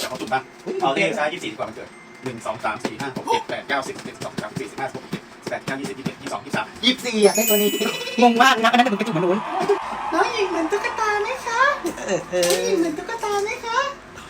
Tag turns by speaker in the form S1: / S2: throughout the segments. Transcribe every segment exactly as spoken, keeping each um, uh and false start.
S1: จากเขาสุ่มบ้างเอาเลขซ้ายยี่สิบสี่ดีกว่ามันเกิดหนึ่งสองสามสี่ห้าหกเจ็ดแปดเก้าสิบสิบเอ็ดสิบสองสิบสามสิบสี่สิบห้าสิบหกสิบเจ็ดสิบแปดเก้ายี่สิบยี่สิบเอ็ดยี่สิบสองยี่สิบสามยี่สิบสี่อ่ะได้ตัวนี้งงมากนะอันนั้นถึงไปจุ่มมันนู้นน้องหญิงเหมือนตุ๊กตาไหมคะเออเออหญิงเหมือนตุ๊กตาไหมคะ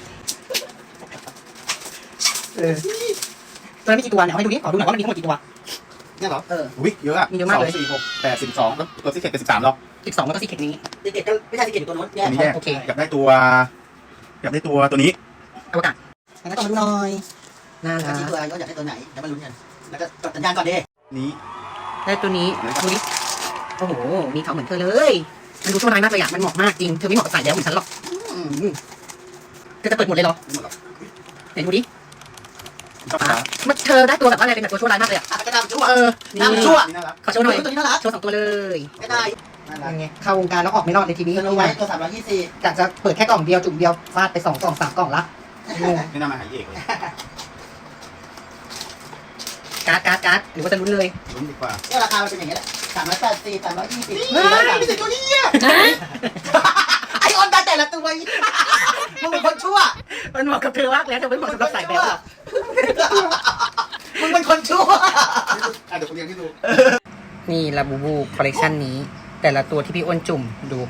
S1: เออตัวนั้นมีกี่ตัวเนี่ยเอาให้ดูดิขอดูหน่อยว่ามันมีทั้งหมดกี่ตัวเนี่ยเหรอเออวิเยอะอะมีเยอะมากเลยสี่หกแปดสิบสองแล้วตัวซีเค็ดเป็นสิบสามหรอสิบสองแล้วก็ซีเค็ดนี้ซีเค็ดก็ไม่ใช่ซีเค็ดตัวนู้นแยกโอเคอยากได้ตัวอยากได้ตัวตัวนี้อวกาศงั้นต้องมาดูหน่อยน่ารักตัวอะไรก็อยากได้ตัวไหนเดี๋ยวมาลุ้นกันแล้วก็กดสัญญาณก่อนดินี้ได้ตัวนี้ดูดิโอ้โหมีเขาเหมือนเธอเลยมันดูชั่วร้ายมากเลยอะมันเหมาะมากจริงเธอไม่เหมาะกับสายแล้วเหมือนฉันหรอกเธอจะเปิดหมดเลยเหรอไหนดูดิมันเธอได้ตัวแบบอะไรเป็นแบบตัวชั่วร้ายมากเลยอะกระดาษชั่วเออน้ำชั่วขอโชว์หน่อยตัวนี้น่ารักโชว์สองตัวเลยก็ได้ยังไงเข้าวงการแล้วออกไม่รอดในทีนี้รู้ไหมตัวสามร้อยยี่สิบจากจะเปิดแค่กล่องเดียวจุ่มเดียวฟาดไปสองกล่องสามกล่องละไม่น่ามาหายเอกเลยการ์ดการ์ดการ์ดหรือว่าจะลุ้นเลยลุ้นดีกว่าเนี่ยราคามันเป็นอย่างนี้แหละสามร้อยแปดสิบสามร้อยยี่สิบไม่ใช่ตัวนี้อ่ะไอออนได้แต่ละตัวมึงเป็นคนชั่วมันเหมาะกับเธอมากแล้วแต่ไม่เหมาะสำหรับสายแบบหรอกมึงเป็นคนชั่วเดี๋ยวคุณเรียนให้ดูนี่ลาบูบูคอลเลกชันนี้แต่ละตัวที่พี่อ้วนจุ่มดู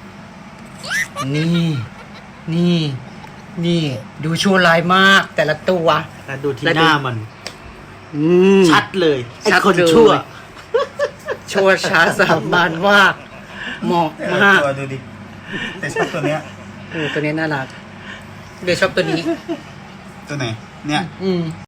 S1: นี่นี่นี่ดูชั่วร้ายมากแต่ละตัว
S2: แล้วดูที่หน้ามันชัดเลยไอ้คนชั่ว
S1: ชั่วช้าสามานมากเหมาะมาก
S2: ตัวดูดิแต่ชอบตัวเนี้ย
S1: เออตัวนี้น่ารักเดี๋ยวชอบตัวนี้
S2: ตัวไหนเนี่ย
S1: อืม